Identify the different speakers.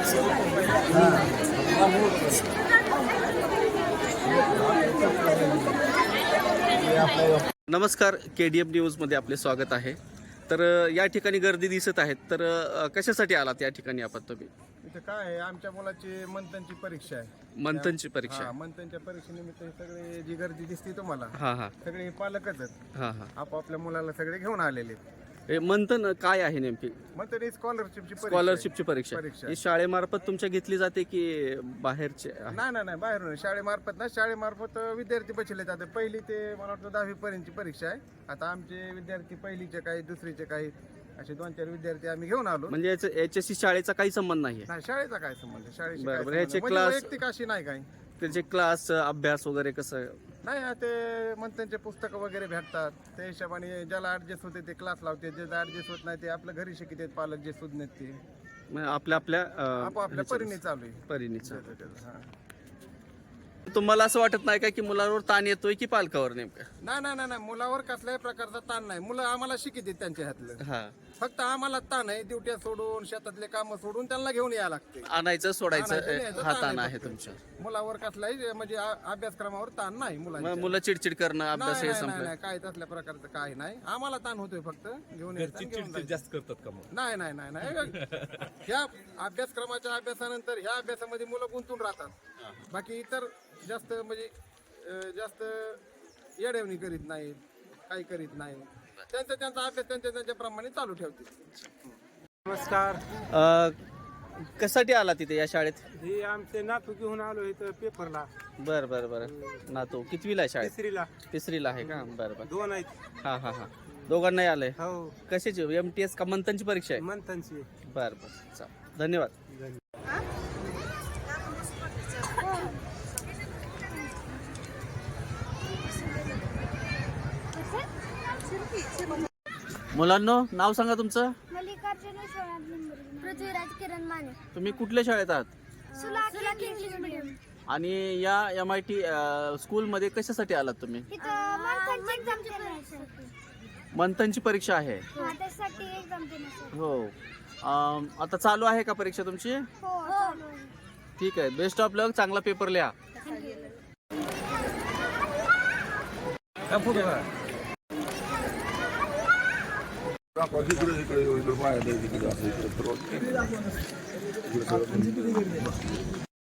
Speaker 1: नमस्कार, KDM न्यूजमध्ये आपले स्वागत आहे. तर या ठिकाणी गर्दी दिसत आहेत. तर कशासाठी आलात या ठिकाणी आपण तुम्ही?
Speaker 2: इथे काय आहे, आमच्या मुलाची मंथनची परीक्षा आहे.
Speaker 1: मंथनची परीक्षा?
Speaker 2: हा, मंथनच्या परीक्षेनिमित्त हे सगळे जी गर्दी दिसते तुम्हाला,
Speaker 1: हा हा
Speaker 2: सगळे पालकच आहेत.
Speaker 1: हा हा
Speaker 2: आपापल्या मुलाला सगळे घेऊन आलेले आहेत.
Speaker 1: हे मंथन काय आहे नेमकी?
Speaker 2: मंथन ही स्कॉलरशिपची
Speaker 1: स्कॉलरशिपची परीक्षा ही शाळेमार्फत तुमच्या घेतली जाते की बाहेरचे?
Speaker 2: नाही बाहेरून शाळेमार्फत ना, शाळेमार्फत विद्यार्थी बसले जाते. पहिली ते मला वाटतं 10वी पर्यंतची परीक्षा आहे. आता आमचे विद्यार्थी पहिलीचे काही, दुसरीचे काही, असे 2-4 विद्यार्थी आम्ही घेऊन आलो.
Speaker 1: म्हणजे याच्याशी शाळेचा काही संबंध नाही?
Speaker 2: नाही, शाळेचा काय संबंध, शाळेशी
Speaker 1: बरं,
Speaker 2: काय
Speaker 1: बरं. याचे
Speaker 2: संबंध?
Speaker 1: क्लास-
Speaker 2: म्हणजे वैयक्तिक अशी नाही काही.
Speaker 1: त्याचे क्लास, अभ्यास वगैरे कसं?
Speaker 2: नाही, ते मंथनचे पुस्तकं वगैरे भेटतात. त्या हिशोबाने ज्याला ऍडजस्ट होते ते क्लास लावते, जे ऍडजस्ट होत नाही ते आपलं घरी शिकतात पालक, जे सुज्ञ ते
Speaker 1: म्हणजे आपल्या
Speaker 2: आपापल्या परीने चालू आहे.
Speaker 1: परीनेच.
Speaker 2: हा.
Speaker 1: तुम्हाला असं वाटत नाही का की मुलांवर ताण येतोय की पालकावर नेमकं?
Speaker 2: नाही, मुलावर कसल्याही प्रकारचा ताण नाही. मुलं आम्हाला शिकतात त्यांच्या हातलं.
Speaker 1: हा,
Speaker 2: फक्त आम्हाला ताण आहे, ड्युट्या सोडून, शेतातले काम सोडून त्यांना घेऊन यायला लागते.
Speaker 1: आणायचं सोडायचं
Speaker 2: न्यायचं,
Speaker 1: हा
Speaker 2: ताण
Speaker 1: ताण
Speaker 2: आहे
Speaker 1: आहे
Speaker 2: फक्त.
Speaker 1: तुमच्या?
Speaker 2: मुलावर कसलाही म्हणजे अभ्यासक्रमावर ताण नाही मुलांच्या.
Speaker 1: मग मुलं चिडचिड करणं, अभ्यास हे
Speaker 2: नाही,
Speaker 1: संपलं?
Speaker 2: काय तसल्या प्रकारचं काही नाही. आम्हाला ताण होतोय फक्त घेऊन यायचं आणि घेऊन जायचं.
Speaker 3: जास्त करतात का मग?
Speaker 2: नाही. ह्या अभ्यासक्रमाच्या अभ्यासानंतर ह्या अभ्यासामध्ये मुलं गुंतून राहतात. बाकी इतर जास्त म्हणजे जास्त येडवणी करीत नाहीत, काही करीत नाही. त्यांचा अभ्यास त्यांच्या प्रमाणे चालू ठेवतील.
Speaker 4: नमस्कार.
Speaker 1: कशासाठी आला तिथे या शाळेत?
Speaker 4: हे आमचे नातू घेऊन आलो इथं पेपरला.
Speaker 1: बर. नातू कितवीला आहे शाळेत? तिसरीला आहे का? बरं.
Speaker 4: 2 आहेत.
Speaker 1: हा. दोघांनाही आलंय?
Speaker 4: हो,
Speaker 1: कशाची? MTS का मंथनची परीक्षा आहे?
Speaker 4: मंथनची.
Speaker 1: बरं. चालेल, धन्यवाद. मुलांनो, नाव सांगा तुमचं.
Speaker 5: मल्लिकार्जुन पृथ्वीराज किरण माने.
Speaker 1: तुम्ही कुठल्या शाळेत आहात?
Speaker 5: सुलाकी इंग्लिश मीडियम.
Speaker 1: आणि या MIT स्कूलमध्ये कशासाठी आलात तुम्ही?
Speaker 5: इथं मंथनची एक्झाम देण्यासाठी.
Speaker 1: मंथनची परीक्षा आहे?
Speaker 5: त्यासाठी एक्झाम देण्यासाठी.
Speaker 1: हो. आता चालू आहे का परीक्षा तुमची?
Speaker 5: हो, चालू आहे.
Speaker 1: ठीक आहे, बेस्ट ऑफ लक, चांगला पेपर लिहा.
Speaker 6: इकडे